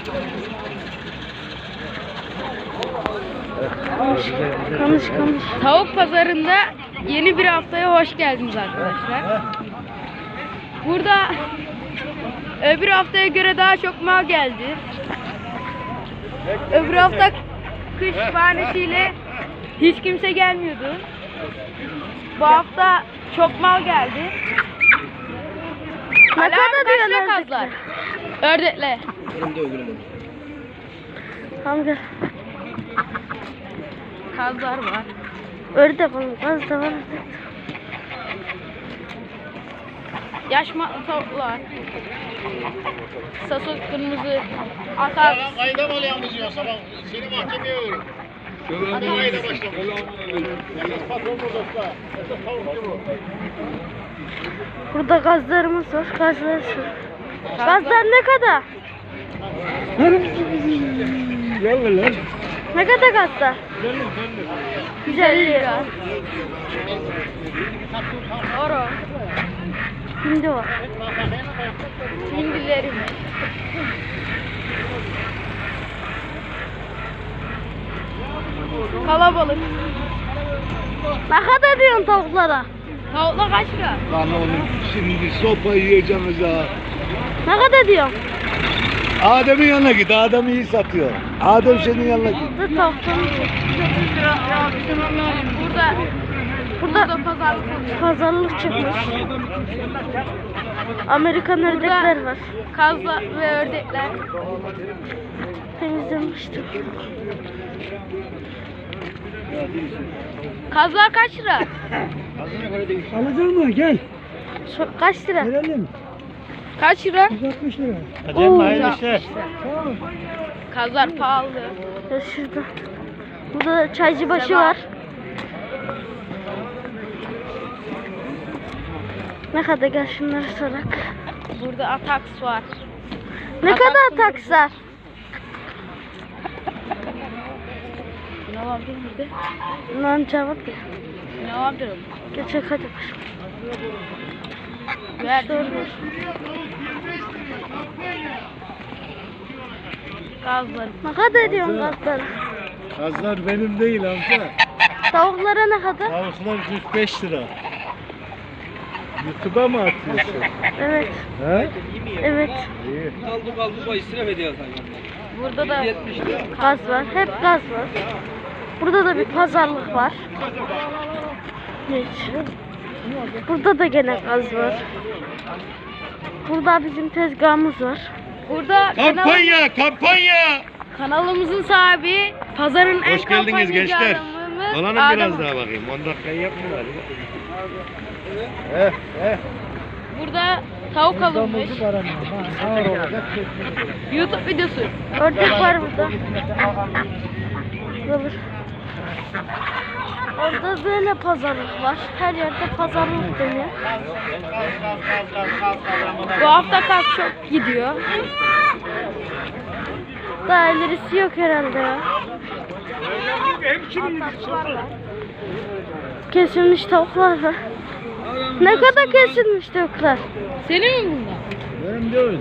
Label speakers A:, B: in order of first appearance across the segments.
A: Konuş. Tavuk pazarında yeni bir haftaya hoş geldiniz arkadaşlar. Burada öbür haftaya göre daha çok mal geldi. Öbür hafta kış bahanesiyle hiç kimse gelmiyordu. Bu hafta çok mal geldi. Ne kadar diyorlar kazlar? Ördekle. Tamam gel. Kazlar var. Ördek oğlum, kaz da var. Yaş matlı tavuklar. Sasos kırmızı. Atak.
B: Kayda mı alıyorsunuz ya sabah? Seni mahkemeye veriyorum. Hadi kayda başlamış. Yalnız patron burada. Esas tavukçu bu.
A: Burada gazlarımız var. Gazlar ne kadar?
B: Gel lan.
A: Ne kadar gazlar? 150 lira. Oro. Hindi var. Hindilerim. Kalabalık. Ne kadar diyorsun tavuklara? Tavuklar kaç lira?
B: Lan oğlum şimdi sopa yiyeceğimiz ha.
A: Ne kadar diyorsun?
B: Adem'in yanına git. Adem iyi satıyor. Adem senin yanına git.
A: Burada tavuktan Burada pazarlık çıkmış. Amerikan ördekler var. Kazlar ve ördekler. Temizlemiştim. Kazlar kaç lira?
C: Alacak mı? Gel.
A: Kaç lira?
C: Verelim.
A: Kaç lira?
C: 160 lira.
A: Oo,
B: hayırlı işler.
C: Tamam.
A: Kazlar pahalı. Ya şurada. Burada da çaycıbaşı var. Ne kadar, gel şunları sorak. Burada Atax var. Ne kadar Atax var? Ne var burada? Lan cevap ya. Ne var diyorum? Geçek hadi baş. Ver. Gazları. Ne kadar diyorsun gazları?
B: Kazlar benim değil amca.
A: Tavuklara ne kadar?
B: Tavuklar 45 lira. YouTube'a mı atıyorsun?
A: Evet.
B: He?
A: Evet.
B: İyi.
D: Kaldı israf ediyor sanki.
A: Burada da gaz var. Hep gaz var. Burada da bir pazarlık var. Hiç. Burada da gene gaz var. Burada bizim tezgahımız var. Burada
B: Kampanya!
A: kanalımızın sahibi, pazarın en
B: Hoş geldiniz gençler.
A: adamımız
B: Dolanın
A: Adem.
B: biraz daha bakayım. 10 dakikayı yapmıyorlar.
A: Burada tavuk alınmış. YouTube videosu. Ördek var burada. Olur. Orada böyle pazarlık var. Her yerde pazarlık dönüyor. Bu hafta kaz çok gidiyor. Daha ilerisi yok herhalde ya. Ataklar var. Kesilmiş tavuklar var. Ne kadar kesilmiş tavuklar? Senin mi bunlar?
B: Benim değil.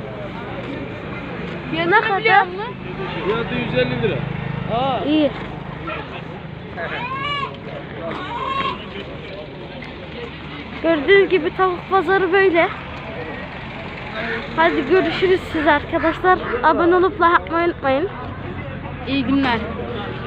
A: Ne kadar?
B: Fiyatı 150 lira.
A: İyi. Gördüğünüz gibi tavuk pazarı böyle. Hadi görüşürüz siz arkadaşlar. Abone olup like atmayı unutmayın. İyi günler.